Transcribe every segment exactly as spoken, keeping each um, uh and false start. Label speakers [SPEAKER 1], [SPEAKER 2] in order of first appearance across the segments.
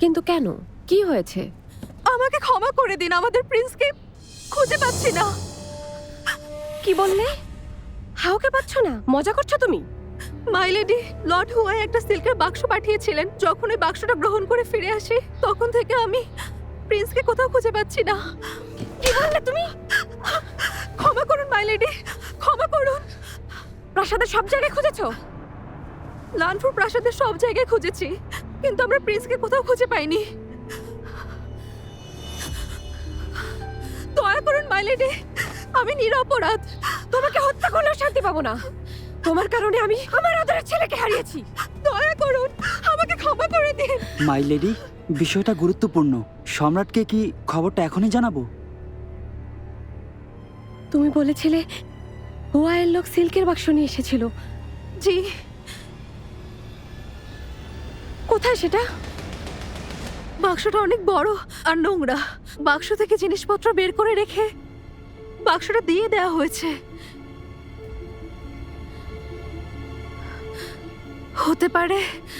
[SPEAKER 1] কিন্তু কেন? কি হয়েছে?
[SPEAKER 2] আমাকে ক্ষমা করে দিন, আমাদের প্রিন্সকে খুঁজে পাচ্ছি না।
[SPEAKER 1] কি বললে? হাওকে পাচ্ছ না? মজা করছো তুমি?
[SPEAKER 2] মাই লেডি, লর্ড হুয়াই একটা সিল্কের বাক্স পাঠিয়েছিলেন। যখন ওই বাক্সটা গ্রহণ করে ফিরে আসি, তখন থেকে আমি প্রিন্সকে কোথাও খুঁজে পাচ্ছি না।
[SPEAKER 1] কি বললে তুমি?
[SPEAKER 2] ক্ষমা করুন মাই লেডি, ক্ষমা করুন।
[SPEAKER 1] প্রাসাদের সব জায়গায় খুঁজেছো?
[SPEAKER 2] লানফুর প্রাসাদের সব জায়গায় খুঁজেছি, কিন্তু আমরা প্রিন্সকে কোথাও খুঁজে পাইনি। দয়া করুন মাই লেডি, আমি নিরপরাধ।
[SPEAKER 1] তোমাকে হত্যা করলেও শান্তি পাবো না। তোমার কারণে আমি আমার আদরের ছেলেকে হারিয়েছি।
[SPEAKER 2] দয়া করুন, আমাকে ক্ষমা করে দিন।
[SPEAKER 3] মাই লেডি, বিষয়টা গুরুত্বপূর্ণ। সম্রাটকে কি খবরটা এখনই জানাবো?
[SPEAKER 1] তুমি বলেছিলে হুয়াইয়ের লোক সিল্কের বাক্স নিয়ে এসেছিল।
[SPEAKER 2] জি।
[SPEAKER 1] কোথায় সেটা?
[SPEAKER 2] বাক্সটা অনেক বড় আর নোংরা। বাক্স থেকে জিনিসপত্র বের করে রেখে বাক্সটা দিয়ে দেওয়া হয়েছে। হতে পারে।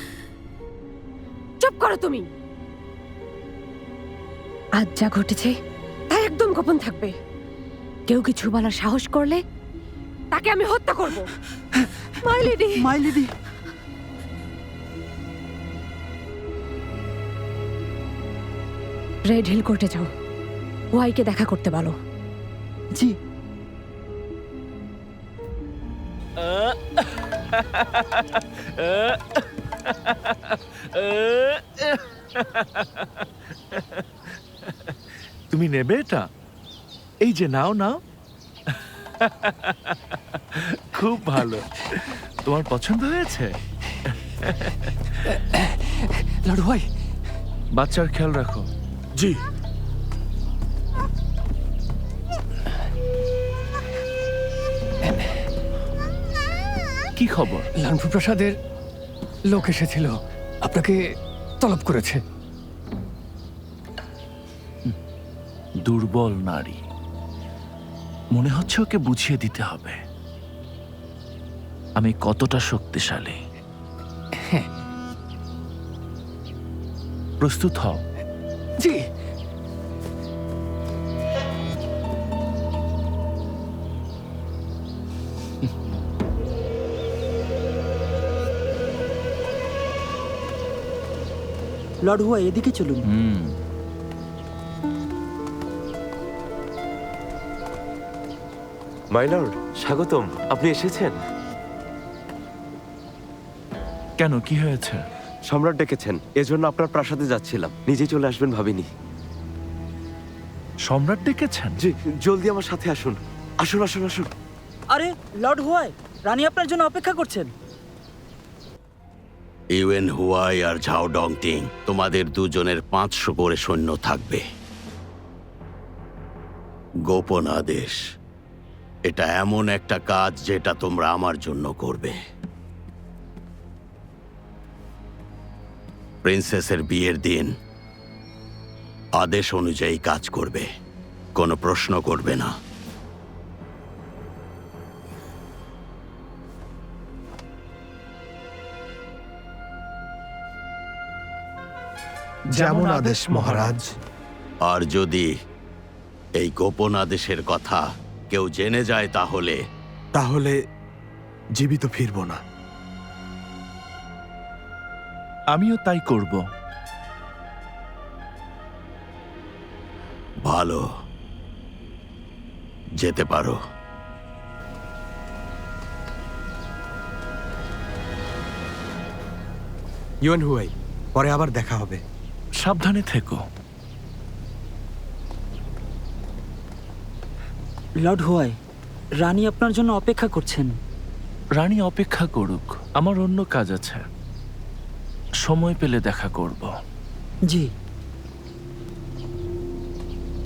[SPEAKER 1] চুপ করো তুমি। আজ যা ঘটেছে তা একদম গোপন থাকবে। কেউ কিছু বলার সাহস করলে তাকে আমি হত্যা করব।
[SPEAKER 2] My lady,
[SPEAKER 3] my lady,
[SPEAKER 1] red hill কোর্টে যাও, ওয়াইকে দেখা করতে বলো।
[SPEAKER 3] জি।
[SPEAKER 4] তুমি নেবে এটা? এই যে নাও নাও। খুব ভালো। তোমার পছন্দ হয়েছে?
[SPEAKER 3] লর্ড হুয়াই।
[SPEAKER 4] বাচ্চার খেয়াল রাখো।
[SPEAKER 5] জি।
[SPEAKER 4] কি খবর?
[SPEAKER 5] লানফু প্রাসাদের লোক এসেছিল, আপনাকে তলব করেছে।
[SPEAKER 4] দুর্বল নারী, মনে হচ্ছে ওকে বুঝিয়ে দিতে হবে আমি কতটা শক্তিশালী। প্রস্তুত হও।
[SPEAKER 5] জি।
[SPEAKER 3] লর্ড হুয়াই, এদিকে চলুন।
[SPEAKER 4] হুম
[SPEAKER 6] মাই লর্ড, স্বাগতম। আপনি এসেছেন?
[SPEAKER 4] কেন, কি হয়েছে?
[SPEAKER 6] সম্রাট ডেকেছেন, এজন্য আপনার প্রাসাদে যাচ্ছিলাম। নিজে চলে আসবেন ভাবিনি।
[SPEAKER 4] সম্রাট ডেকেছেন?
[SPEAKER 6] জি, জলদি আমার সাথে আসুন। আসুন আসুন আসুন।
[SPEAKER 3] আরে লর্ড হুয়াই, রানী আপনার জন্য অপেক্ষা করছেন।
[SPEAKER 7] ইউয়েন হুয়াই আর ঝাও ডংটিং, তোমাদের দুজনের পাঁচশো করে সৈন্য থাকবে। গোপন আদেশ, এটা এমন একটা কাজ যেটা তোমরা আমার জন্য করবে। প্রিন্সেসের বিয়ের দিন আদেশ অনুযায়ী কাজ করবে, কোনো প্রশ্ন করবে না।
[SPEAKER 5] যেমন আদেশ মহারাজ।
[SPEAKER 7] আর যদি এই গোপন আদেশের কথা কেউ জেনে যায় তাহলে
[SPEAKER 5] তাহলে জীবিত ফিরব না।
[SPEAKER 4] আমিও তাই করব।
[SPEAKER 7] ভালো, যেতে পারো।
[SPEAKER 5] ইউয়েন হুয়াই, পরে আবার দেখা হবে।
[SPEAKER 4] সাবধানে থেকো।
[SPEAKER 3] লর্ড হুয়াই, রানী আপনার জন্য অপেক্ষা করছেন।
[SPEAKER 4] রানী অপেক্ষা করুক, আমার অন্য কাজ আছে। সময় পেলে দেখা করব।
[SPEAKER 3] জি।